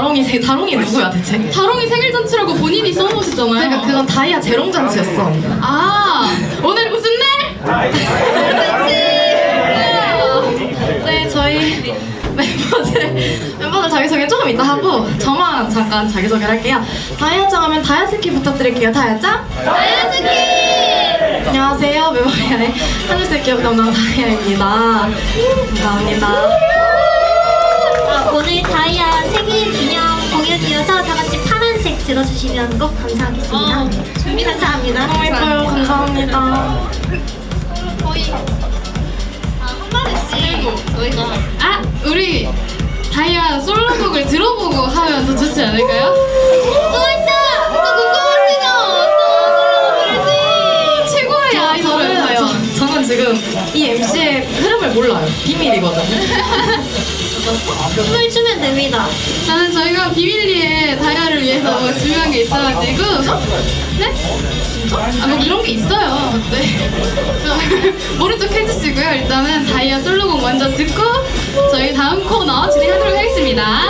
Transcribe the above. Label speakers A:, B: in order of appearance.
A: 다롱이 누구야 대체?
B: 다롱이 생일 잔치라고 본인이 써놓으셨잖아요.
A: 그러니까 그건 다이아 재롱 잔치였어.
B: 아, 오늘 무슨 날?
A: 네, 저희 멤버들 자기소개 조금 이따 하고 저만 잠깐 자기소개를 할게요. 다이아짱 하면 다이아스키 부탁드릴게요. 다이아짱? 다이아스키! 안녕하세요. 메모리알의 하늘색 기억 담당 다이아입니다. 감사합니다.
C: 오늘 다이아 생일 기념 공연이어서 다 같이 파란색 들어주시면 꼭 감사하겠습니다. 감사합니다.
A: 너무 예뻐요. 감사합니다.
B: 아, 우리 다이아 솔로곡을 들어보고 하면 더 좋지 않을까요? 최고의 아이돌이에요.
A: 저는 지금 이 MC의 흐름을 몰라요. 비밀이거든요.
C: 춤을 추면 됩니다.
B: 나는 저희가 비밀리에 다이아를 위해서 뭐 준비한 게 있어가지고. 네? 아, 뭐 그런 게 있어요. 네. 모른 척 해주시고요. 일단은 다이아 솔로곡 먼저 듣고 저희 다음 코너 진행하도록 하겠습니다.